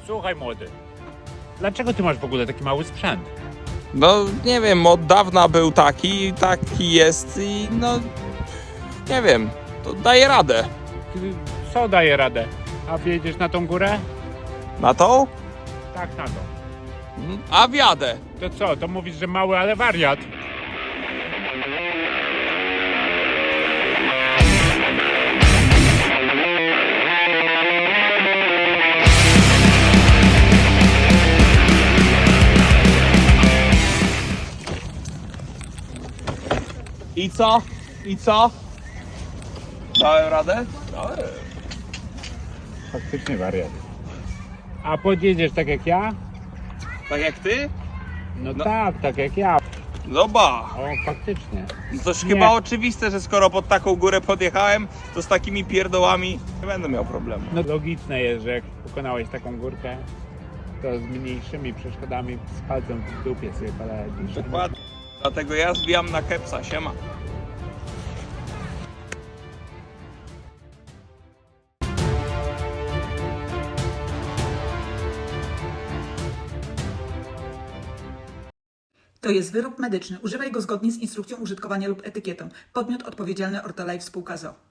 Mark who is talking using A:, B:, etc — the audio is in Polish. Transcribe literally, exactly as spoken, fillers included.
A: Słuchaj młody, dlaczego ty masz w ogóle taki mały sprzęt?
B: No nie wiem, od dawna był taki, taki jest i no nie wiem, to daje radę.
A: Ty co daje radę? A wjedziesz na tą górę?
B: Na tą?
A: Tak, na to.
B: A wjadę.
A: To co, to mówisz, że mały, ale wariat?
B: I co? I co? Dałem radę? Dałem.
A: Faktycznie wariat. A podjedziesz tak jak ja?
B: Tak jak ty?
A: No,
B: No.
A: tak, tak jak ja.
B: No ba.
A: O, faktycznie.
B: No toż
A: Nie.
B: chyba oczywiste, że skoro pod taką górę podjechałem, to z takimi pierdołami nie będę miał problemu.
A: No logiczne jest, że jak pokonałeś taką górkę, to z mniejszymi przeszkodami z palcem w dupie sobie poradzisz.
B: Dokładnie. Dlatego ja zbijam na kepsa, siema.
C: To jest wyrób medyczny. Używaj go zgodnie z instrukcją użytkowania lub etykietą. Podmiot odpowiedzialny Ortolife Spółka z o o.